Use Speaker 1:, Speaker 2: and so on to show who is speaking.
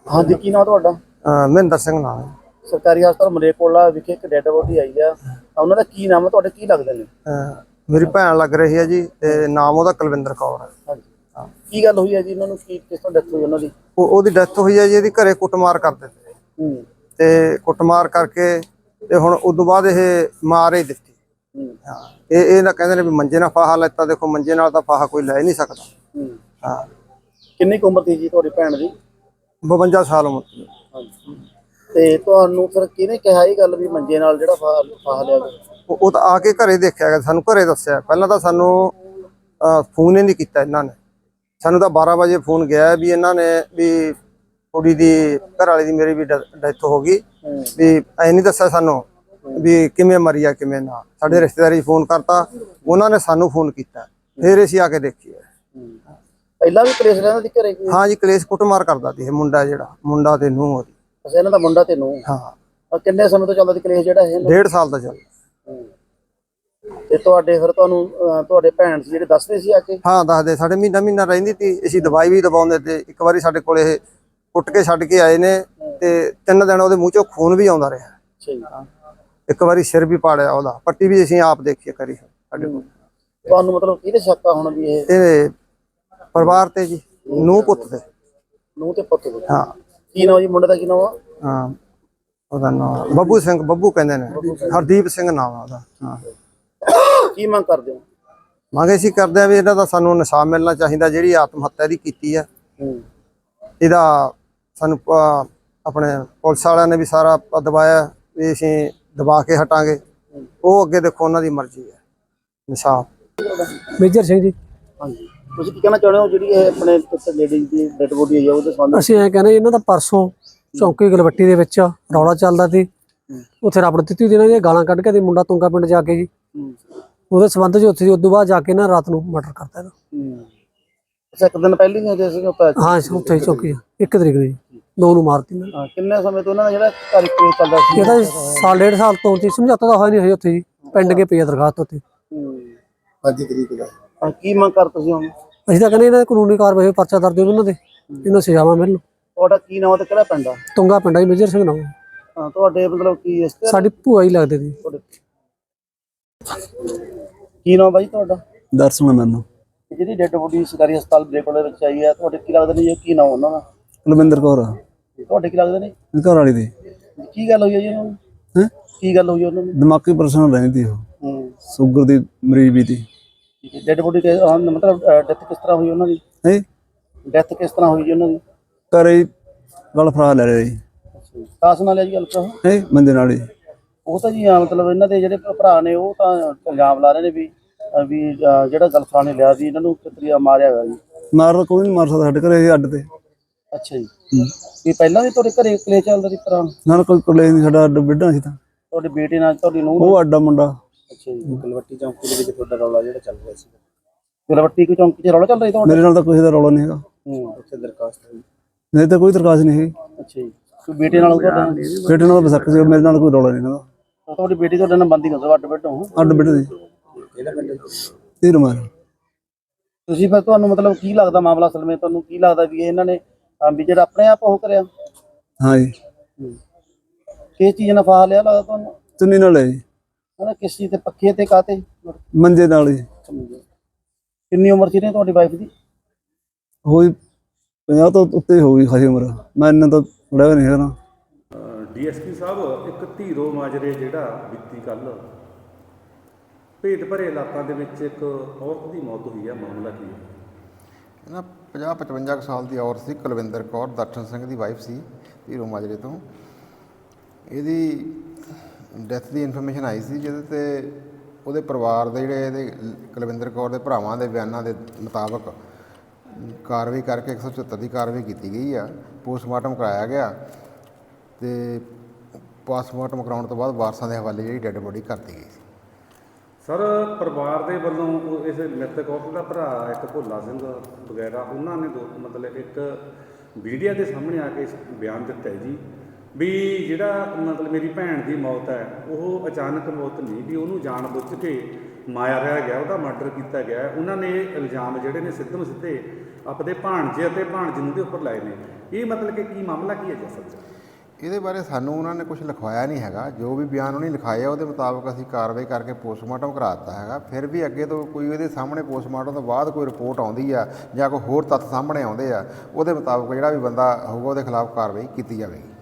Speaker 1: ਹਾਂਜੀ, ਕੀ ਨਾਮ ਤੁਹਾਡਾ?
Speaker 2: ਮਹਿੰਦਰ ਸਿੰਘ ਨਾਮ ਹੈ।
Speaker 1: ਸਰਕਾਰੀ ਹਸਪਤਾਲ ਮਲੇਰਕੋਟਲਾ ਵਿਖੇ ਇੱਕ ਡੈੱਡ ਬੋਡੀ ਆਈ ਆ, ਉਹਨਾਂ ਦਾ ਕੀ ਨਾਮ ਹੈ? ਤੁਹਾਡੇ ਕੀ ਲੱਗਦੇ ਨੇ?
Speaker 2: ਮੇਰੀ ਭੈਣ ਲੱਗ ਰਹੀ ਹੈ ਜੀ, ਤੇ ਨਾਮ ਉਹਦਾ ਕੁਲਵਿੰਦਰ ਕੌਰ ਹੈ।
Speaker 1: ਹਾਂਜੀ, ਕੀ ਗੱਲ ਹੋਈ ਹੈ ਜੀ? ਇਹਨਾਂ ਨੂੰ ਕੀ ਕਿਸ ਤਰ੍ਹਾਂ ਡੈਥ ਹੋਈ ਉਹਨਾਂ ਦੀ?
Speaker 2: ਉਹਦੀ ਡੈਥ ਹੋਈ ਹੈ ਜੀ, ਇਹਦੀ ਘਰੇ ਕੁੱਟਮਾਰ ਕਰਦੇ ਤੇ ਤੇ ਕੁੱਟਮਾਰ ਕਰਕੇ ਤੇ ਹੁਣ ਉਦੋਂ ਬਾਅਦ ਇਹ ਮਾਰ ਹੀ ਦਿੱਤੀ। ਹਾਂ, ਇਹ ਨਾ ਕਹਿੰਦੇ ਨੇ ਵੀ ਮੰਜੇ ਨਾਲ ਫਾਹਾ ਲੈਤਾ। ਦੇਖੋ, ਮੰਜੇ ਨਾਲ ਤਾਂ ਫਾਹਾ ਕੋਈ ਲੈ ਨਹੀਂ ਸਕਦਾ। ਹਾਂ,
Speaker 1: ਕਿੰਨੀ ਕੁ ਉਮਰ ਸੀ ਜੀ ਤੁਹਾਡੀ ਭੈਣ ਦੀ?
Speaker 2: 52 ਸਾਲ ਉਮਰ ਦੀ।
Speaker 1: ਹਾਂਜੀ, ਤੇ ਤੁਹਾਨੂੰ ਫਿਰ ਕਿਹਨੇ ਕਿਹਾ ਇਹ ਗੱਲ ਵੀ ਮੰਜੇ ਨਾਲ ਜਿਹੜਾ ਫਾਹਾ ਲਿਆ ਗਿਆ?
Speaker 2: ਉਹ ਤਾਂ ਆ ਕੇ ਘਰੇ ਦੇਖਿਆ ਗਿਆ, ਸਾਨੂੰ ਘਰੇ ਦੱਸਿਆ। ਪਹਿਲਾਂ ਤਾਂ ਸਾਨੂੰ ਫੋਨ ਹੀ ਨਹੀਂ ਕੀਤਾ ਇਹਨਾਂ ਨੇ। ਸਾਨੂੰ ਤਾਂ 12 ਵਜੇ ਫੋਨ ਗਿਆ ਵੀ ਇਹਨਾਂ ਨੇ ਵੀ ਕੁੜੀ ਦੀ ਘਰ ਵਾਲੀ ਦੀ ਮੇਰੀ ਵੀ ਡੈਥ ਹੋ ਗਈ, ਵੀ ਐ ਨਹੀਂ ਦੱਸਿਆ ਸਾਨੂੰ ਵੀ ਕਿਵੇਂ ਮਰੀ ਆ ਕਿਵੇਂ ਨਾ। ਸਾਡੇ ਰਿਸ਼ਤੇਦਾਰੀ ਫੋਨ ਕਰਤਾ, ਉਹਨਾਂ ਨੇ ਸਾਨੂੰ ਫੋਨ ਕੀਤਾ, ਫਿਰ ਅਸੀਂ ਆ ਕੇ ਦੇਖੀਏ।
Speaker 1: ਪਹਿਲਾਂ ਵੀ ਕਲੇਸ਼ ਰਹਿੰਦਾ ਸੀ ਘਰੇ?
Speaker 2: ਹਾਂ ਜੀ, ਕਲੇਸ਼ ਕੁੱਟਮਾਰ ਕਰਦਾ ਸੀ ਇਹ ਮੁੰਡਾ, ਜਿਹੜਾ ਮੁੰਡਾ ਤੇ ਨੂੰਹ ਉਹਦੀ।
Speaker 1: ਅੱਛਾ, ਇਹਨਾਂ ਦਾ ਮੁੰਡਾ ਤੇ ਨੂੰਹ।
Speaker 2: ਹਾਂ।
Speaker 1: ਕਿੰਨੇ ਸਮੇਂ ਤੋਂ ਚੱਲਦਾ ਸੀ ਕਲੇਸ਼ ਜਿਹੜਾ ਇਹ?
Speaker 2: 1.5 ਸਾਲ ਦਾ ਚੱਲਦਾ।
Speaker 1: ਤੇ ਤੁਹਾਡੇ ਫਿਰ ਤੁਹਾਨੂੰ ਤੁਹਾਡੇ ਭੈਣ ਸੀ ਜਿਹੜੇ ਦੱਸਦੇ ਸੀ ਆ ਕੇ?
Speaker 2: ਹਾਂ, ਦੱਸਦੇ। ਸਾਡੇ ਮਹੀਨਾ ਰਹਿੰਦੀ ਸੀ, ਅਸੀਂ ਦਵਾਈ ਵੀ ਦਵਾਉਂਦੇ ਤੇ। ਇੱਕ ਵਾਰੀ ਸਾਡੇ ਕੋਲ ਇਹ ਕੁੱਟ ਕੇ ਛੱਡ ਕੇ ਆਏ ਨੇ ਤੇ 3 ਦਿਨ ਉਹਦੇ ਮੂੰਹ ਚੋਂ ਖੂਨ ਵੀ ਆਉਂਦਾ ਰਿਹਾ।
Speaker 1: ਅੱਛਾ ਜੀ।
Speaker 2: ਇੱਕ ਵਾਰੀ ਸਿਰ ਵੀ ਪਾੜਿਆ ਉਹਦਾ, ਪੱਟੀ ਵੀ ਅਸੀਂ ਆਪ ਦੇਖੀ ਕਰੀ ਸਾਡੇ ਕੋਲ।
Speaker 1: ਤੁਹਾਨੂੰ ਮਤਲਬ ਕਿਹਦੇ ਸ਼ੱਕ ਆ ਹੁਣ ਵੀ
Speaker 2: ਇਹ ਪਰਿਵਾਰ ਤੇ ਜੀ, ਨੂੰਹ ਪੁੱਤ ਤੇ।
Speaker 1: ਨੂੰਹ ਤੇ ਪੁੱਤ ਦੇ?
Speaker 2: ਹਾਂ।
Speaker 1: ਕੀ ਨਾਮ ਜੀ ਮੁੰਡੇ ਦਾ? ਕੀ ਨਾਮ ਆ?
Speaker 2: ਹਾਂ, ਉਹਦਾ ਨਾਮ ਬੱਬੂ ਸਿੰਘ, ਬੱਬੂ ਕਹਿੰਦੇ ਨੇ। ਹਰਦੀਪ ਸਿੰਘ ਨਾਮ ਆ ਉਹਦਾ। ਹਾਂ।
Speaker 1: ਕੀ ਮੰਗ ਕਰਦੇ ਹੋ?
Speaker 2: ਮੰਗ ਅਸੀਂ ਕਰਦੇ ਆ ਵੀ ਇਹਨਾਂ ਦਾ ਸਾਨੂੰ ਇਨਸਾਫ ਮਿਲਣਾ ਚਾਹੀਦਾ। ਜਿਹੜੀ ਆਤਮ ਹੱਤਿਆ ਦੀ ਕੀਤੀ ਆ, ਇਹਦਾ ਸਾਨੂੰ ਆਪਣੇ ਪੁਲਿਸ ਵਾਲਿਆਂ ਨੇ ਵੀ ਸਾਰਾ ਦਬਾਇਆ ਵੀ ਅਸੀਂ ਦਬਾ ਕੇ ਹਟਾਂਗੇ। ਉਹ ਅੱਗੇ ਦੇਖੋ, ਉਹਨਾਂ ਦੀ ਮਰਜ਼ੀ ਹੈ। ਇਨਸਾਫ।
Speaker 3: ਮੇਜਰ ਸਿੰਘ ਜੀ।
Speaker 1: ਹਾਂਜੀ, ਤੁਸੀਂ ਕੀ ਕਹਿਣਾ ਚਾਹੁੰਦੇ ਹੋ ਜਿਹੜੀ ਇਹ ਆਪਣੇ ਲੇਡੀ ਦੀ ਡੈਡ ਬੋਡੀ ਆਈ ਆ ਉਹਦੇ ਸੰਬੰਧ?
Speaker 3: ਅਸੀਂ ਐਂ ਕਹਿੰਦੇ ਇਹਨਾਂ ਦਾ ਪਰਸੋਂ ਚੌਂਕੀ ਗਲਵੱਟੀ ਦੇ ਵਿੱਚ ਰੌਲਾ ਚੱਲਦਾ ਸੀ। ਉੱਥੇ ਰੱਬ ਦਿੱਤੀ ਦਿਨਾਂ ਦੀਆਂ ਗਾਲਾਂ ਕੱਢ ਕੇ ਤੇ ਮੁੰਡਾ ਤੁੰਗਾ ਪਿੰਡ ਜਾ ਕੇ ਜੀ ਉਹਦੇ ਸੰਬੰਧ 'ਚ ਉੱਥੇ ਉਦੋਂ ਬਾਅਦ ਜਾ ਕੇ ਨਾ ਰਾਤ ਨੂੰ ਮਰਡਰ ਕਰਤਾ ਇਹਦਾ।
Speaker 1: ਅੱਛਾ, ਇੱਕ ਦਿਨ ਪਹਿਲਾਂ ਹੀ ਜੇ ਸੀ?
Speaker 3: ਹਾਂ, ਉੱਥੇ ਹੀ ਚੌਂਕੀ 1 ਤਰੀਕ ਨੂੰ ਜੀ 2 ਨੂੰ ਮਾਰਤੀ।
Speaker 1: ਕਿੰਨੇ ਸਮੇਂ ਤੋਂ ਉਹਨਾਂ ਦਾ ਜਿਹੜਾ ਘਰ ਕੇਸ ਚੱਲਦਾ ਸੀ?
Speaker 3: ਇਹਦਾ ਸਾਲ 1.5 ਸਾਲ ਤੋਂ ਜੀ ਸਮਝੌਤਾ ਤਾਂ ਹੋਇਆ ਨਹੀਂ ਹੋਈ ਉੱਥੇ ਜੀ। ਪਿੰਡ ਕੇ ਪਈ ਆ ਦਰਖਾਸਤ ਉੱਥੇ
Speaker 1: 5 ਤਰੀਕ ਦਾ। ਕੀ ਮੰਗ ਕਰ ਤੁਸੀਂ ਹੁਣ?
Speaker 3: ਅਸੀਂ ਤਾਂ ਕਹਿੰਦੇ ਇਹਨਾਂ ਦੀ ਕਾਨੂੰਨੀ ਕਾਰਵਾਈ, ਪਰਚਾ ਦਰਜ ਹੋਵੇ ਉਹਨਾਂ ਦੇ, ਇਹਨਾਂ ਸਜ਼ਾਵਾਂ ਮਿਲਣ।
Speaker 1: ਤੁਹਾਡਾ ਕੀ ਨਾਮ ਤੇ ਕਿਹੜਾ ਪਿੰਡ ਆ?
Speaker 3: ਤੁੰਗਾ ਪਿੰਡ ਆ ਜੀ, ਮੇਜਰ ਸਿੰਘ ਨਾਮ।
Speaker 1: ਹਾਂ, ਤੁਹਾਡੇ ਮਤਲਬ ਕੀ
Speaker 3: ਸਾਡੀ ਭੂਆ ਹੀ ਲੱਗਦੇ ਸੀ।
Speaker 1: ਕੀ ਨਾਮ ਬਾਈ ਤੁਹਾਡਾ?
Speaker 4: ਦਰਸ਼ਨ ਮੈਨੂੰ।
Speaker 1: ਜਿਹੜੀ ਡੈਡ ਬੋਡੀ ਸਰਕਾਰੀ ਹਸਪਤਾਲ ਮਲੇਰਕੋਟਲਾ ਵਿੱਚ ਆਈ ਆ, ਤੁਹਾਡੇ ਕੀ ਲੱਗਦੇ ਨੇ? ਕੀ ਨਾਮ ਉਹਨਾਂ ਦਾ?
Speaker 4: ਕੁਲਵਿੰਦਰ ਕੌਰ।
Speaker 1: ਤੁਹਾਡੇ ਕੀ ਲੱਗਦੇ ਨੇ?
Speaker 4: ਘਰ ਵਾਲੀ ਦੀ।
Speaker 1: ਕੀ ਗੱਲ ਹੋਈ ਹੈ ਜੀ ਉਹਨਾਂ ਨੂੰ? ਕੀ ਗੱਲ ਹੋਈ ਉਹਨਾਂ ਨੂੰ?
Speaker 4: ਦਿਮਾਗੀ ਪਰੇਸ਼ਾਨ ਰਹਿੰਦੀ ਉਹ, ਸ਼ੂਗਰ ਦੀ ਮਰੀਜ਼ ਵੀ ਸੀ।
Speaker 1: ਡੈਡ ਬੋਡੀ ਮਤਲਬ ਡੈਥ ਕਿਸ ਤਰ੍ਹਾਂ ਹੋਈ ਉਹਨਾਂ ਦੀ? ਡੈਥ ਕਿਸ ਤਰ੍ਹਾਂ ਹੋਈ ਜੀ ਉਹਨਾਂ ਦੀ?
Speaker 4: ਘਰੇ ਗਲ ਫਰਾ ਲੈ ਰਿਹਾ ਜੀ।
Speaker 1: ਕਾਸ ਨਾਲ ਹੈ ਜੀ ਗੱਲ ਭਰਾ?
Speaker 4: ਬੰਦੇ ਨਾਲ ਹੀ।
Speaker 1: ਉਹ ਤਾਂ ਜੀ ਮਤਲਬ ਇਹਨਾਂ ਦੇ ਜਿਹੜੇ ਭਰਾ ਨੇ ਉਹ ਤਾਂ ਇਲਜ਼ਾਮ ਲਾ ਰਹੇ ਨੇ ਵੀ ਜਿਹੜਾ ਗਲਫਰਾ ਨੇ ਲਿਆ ਸੀ ਇਹਨਾਂ ਨੂੰ ਕਿਤਰੀਆ ਮਾਰਿਆ ਗਿਆ ਜੀ।
Speaker 4: ਮਾਰ ਕੋਈ ਨਹੀਂ ਮਾਰ ਸਕਦਾ ਸਾਡੇ ਘਰੇ ਅੱਡ ਤੇ।
Speaker 1: ਅੱਛਾ ਜੀ। ਇਹ ਪਹਿਲਾਂ ਵੀ ਤੁਹਾਡੇ ਘਰੇ ਕਲੇਸ਼ ਚੱਲਦਾ ਸੀ ਭਰਾ
Speaker 4: ਨਾਲ? ਕੋਈ ਕਲੇਸ਼ ਨਹੀਂ, ਸਾਡਾ ਅੱਡ ਬਿੱਡਾ ਸੀ ਤਾਂ।
Speaker 1: ਤੁਹਾਡੇ ਬੇਟੇ ਨਾਲ ਤੁਹਾਡੀ ਨੂੰਹ?
Speaker 4: ਉਹ ਅੱਡਾ ਮੁੰਡਾ।
Speaker 1: ਅੱਛਾ ਜੀ। ਗਲਵੱਟੀ ਚੌਂਕੀ ਦੇ ਵਿੱਚ ਤੁਹਾਡਾ ਰੌਲਾ ਜਿਹੜਾ ਚੱਲ ਰਿਹਾ ਸੀ? ਗਲਵੱਟੀ ਕੋਈ ਚੌਂਕੀ 'ਚ ਰੌਲਾ ਚੱਲ ਰਿਹਾ ਤੁਹਾਡਾ?
Speaker 4: ਮੇਰੇ ਨਾਲ ਤਾਂ ਕਿਸੇ ਦਾ ਰੌਲਾ ਨਹੀਂ ਹੈਗਾ।
Speaker 1: ਉੱਥੇ ਦਰਖਾਸਤ ਹੋਈ?
Speaker 4: ਨਹੀਂ ਤਾਂ ਕੋਈ ਦਰਖਾਸਤ ਨਹੀਂ ਹੈਗੀ।
Speaker 1: ਅੱਛਾ ਜੀ। ਕੋਈ ਬੇਟੇ ਨਾਲ? ਤੁਹਾਡਾ
Speaker 4: ਬੇਟੇ ਨਾਲ ਬਸਕ ਸੀ, ਮੇਰੇ ਨਾਲ ਕੋਈ ਰੌਲਾ ਨਹੀਂ ਹੈਗਾ।
Speaker 1: ਤੁਹਾਡੀ ਬੇਟੀ ਤੁਹਾਡੇ ਨਾਲ ਬੰਦੀ ਕਰੋ ਅੱਡ ਬੈਠੋ?
Speaker 4: ਅੱਡ ਬਿੱਡ ਦੀ। ਤੀਰ ਮਾਰ।
Speaker 1: ਤੁਸੀਂ ਫਿਰ ਤੁਹਾਨੂੰ ਮਤਲਬ ਕੀ ਲੱਗਦਾ ਮਾਮਲਾ ਅਸਲ ਵਿੱਚ? ਤੁਹਾਨੂੰ ਕੀ ਲੱਗਦਾ ਵੀ ਇਹਨਾਂ ਨੇ ਵੀ ਜਿਹੜਾ ਆਪਣੇ ਆਪ ਉਹ ਕਰਿਆ?
Speaker 4: ਹਾਂ ਜੀ।
Speaker 1: ਕਿਸ ਚੀਜ਼ ਨਾਲ ਫਾਹਾ ਲਿਆ ਲੱਗਦਾ ਤੁਹਾਨੂੰ?
Speaker 4: ਚੁੰਨੀ ਨਾਲ ਹੈ ਜੀ।
Speaker 1: ਕਿਸ ਚੀਜ਼ ਤੇ? ਪੱਖੇ ਤੇ? ਕਾਤੇ?
Speaker 4: ਮੰਜੇ ਨਾਲ ਹੀ।
Speaker 1: ਕਿੰਨੀ ਉਮਰ ਸੀ ਤੁਹਾਡੀ ਵਾਈਫ ਦੀ?
Speaker 4: ਹੋਈ 50 ਤੋਂ ਉੱਤੇ ਹੋ ਗਈ ਖਾਸੀ ਉਮਰ। ਮੈਂ ਇਹਨਾਂ ਤਾਂ ਥੋੜਾ ਨਹੀਂ ਹੈਗਾ।
Speaker 5: ਡੀਐਸਪੀ ਸਾਹਿਬ, ਇੱਕ ਧੀਰੋ ਮਾਜਰੇ ਜਿਹੜਾ ਬੀਤੀ ਕੱਲ ਭੇਦ ਭਰੇ ਇਲਾਕਿਆਂ ਦੇ ਵਿੱਚ ਇੱਕ ਔਰਤ ਦੀ ਮੌਤ ਹੋਈ ਹੈ, ਮਾਮਲਾ ਕੀ ਹੈ?
Speaker 6: ਇਹਨਾਂ 50-55 ਸਾਲ ਦੀ ਔਰਤ ਸੀ, ਕੁਲਵਿੰਦਰ ਕੌਰ, ਦਰਸ਼ਨ ਸਿੰਘ ਦੀ ਵਾਈਫ ਸੀ, ਧੀਰੋ ਮਾਜਰੇ ਤੋਂ। ਇਹਦੀ ਡੈਥ ਦੀ ਇਨਫੋਰਮੇਸ਼ਨ ਆਈ ਸੀ, ਜਿਹਦੇ ਤੇ ਉਹਦੇ ਪਰਿਵਾਰ ਦੇ ਜਿਹੜੇ ਇਹਦੇ ਕੁਲਵਿੰਦਰ ਕੌਰ ਦੇ ਭਰਾਵਾਂ ਦੇ ਬਿਆਨਾਂ ਦੇ ਮੁਤਾਬਕ ਕਾਰਵਾਈ ਕਰਕੇ 174 ਦੀ ਕਾਰਵਾਈ ਕੀਤੀ ਗਈ ਆ। ਪੋਸਟਮਾਰਟਮ ਕਰਾਇਆ ਗਿਆ ਅਤੇ ਪੋਸਟਮਾਰਟਮ ਕਰਾਉਣ ਤੋਂ ਬਾਅਦ ਵਾਰਸਾਂ ਦੇ ਹਵਾਲੇ ਜਿਹੜੀ ਡੈੱਡ ਬੋਡੀ ਕਰਤੀ ਗਈ ਸੀ।
Speaker 5: ਸਰ, ਪਰਿਵਾਰ ਦੇ ਵੱਲੋਂ ਇਸ ਮ੍ਰਿਤਕ ਔਰਤ ਦਾ ਭਰਾ ਇੱਕ ਭੋਲਾ ਸਿੰਘ ਵਗੈਰਾ ਉਹਨਾਂ ਨੇ ਮਤਲਬ ਇੱਕ ਮੀਡੀਆ ਦੇ ਸਾਹਮਣੇ ਆ ਕੇ ਬਿਆਨ ਦਿੱਤਾ ਜੀ ਵੀ ਜਿਹੜਾ ਮਤਲਬ ਮੇਰੀ ਭੈਣ ਦੀ ਮੌਤ ਹੈ ਉਹ ਅਚਾਨਕ ਮੌਤ ਨਹੀਂ, ਵੀ ਉਹਨੂੰ ਜਾਣ ਬੁੱਝ ਕੇ ਮਾਰਿਆ ਗਿਆ, ਉਹਦਾ ਮਰਡਰ ਕੀਤਾ ਗਿਆ। ਉਹਨਾਂ ਨੇ ਇਹ ਇਲਜ਼ਾਮ ਜਿਹੜੇ ਨੇ ਸਿੱਧਮ ਸਿੱਧੇ ਆਪਣੇ ਭਾਣਜੇ ਅਤੇ ਭਾਣਜਨੂੰ ਦੇ ਉੱਪਰ ਲਾਏ ਨੇ। ਇਹ ਮਤਲਬ ਕਿ ਕੀ ਮਾਮਲਾ ਕੀ ਹੈ ਜੀ ਅਸਲ 'ਚ?
Speaker 6: ਇਹਦੇ ਬਾਰੇ ਸਾਨੂੰ ਉਹਨਾਂ ਨੇ ਕੁਝ ਲਿਖਵਾਇਆ ਨਹੀਂ ਹੈਗਾ। ਜੋ ਵੀ ਬਿਆਨ ਉਹਨੇ ਲਿਖਾਏ ਆ ਉਹਦੇ ਮੁਤਾਬਕ ਅਸੀਂ ਕਾਰਵਾਈ ਕਰਕੇ ਪੋਸਟਮਾਰਟਮ ਕਰਾ ਦਿੱਤਾ ਹੈਗਾ। ਫਿਰ ਵੀ ਅੱਗੇ ਤੋਂ ਕੋਈ ਇਹਦੇ ਸਾਹਮਣੇ ਪੋਸਟਮਾਰਟਮ ਤੋਂ ਬਾਅਦ ਕੋਈ ਰਿਪੋਰਟ ਆਉਂਦੀ ਆ ਜਾਂ ਕੋਈ ਹੋਰ ਤੱਥ ਸਾਹਮਣੇ ਆਉਂਦੇ ਆ, ਉਹਦੇ ਮੁਤਾਬਕ ਜਿਹੜਾ ਵੀ ਬੰਦਾ ਹੋਊਗਾ ਉਹਦੇ ਖਿਲਾਫ ਕਾਰਵਾਈ ਕੀਤੀ ਜਾਵੇਗੀ।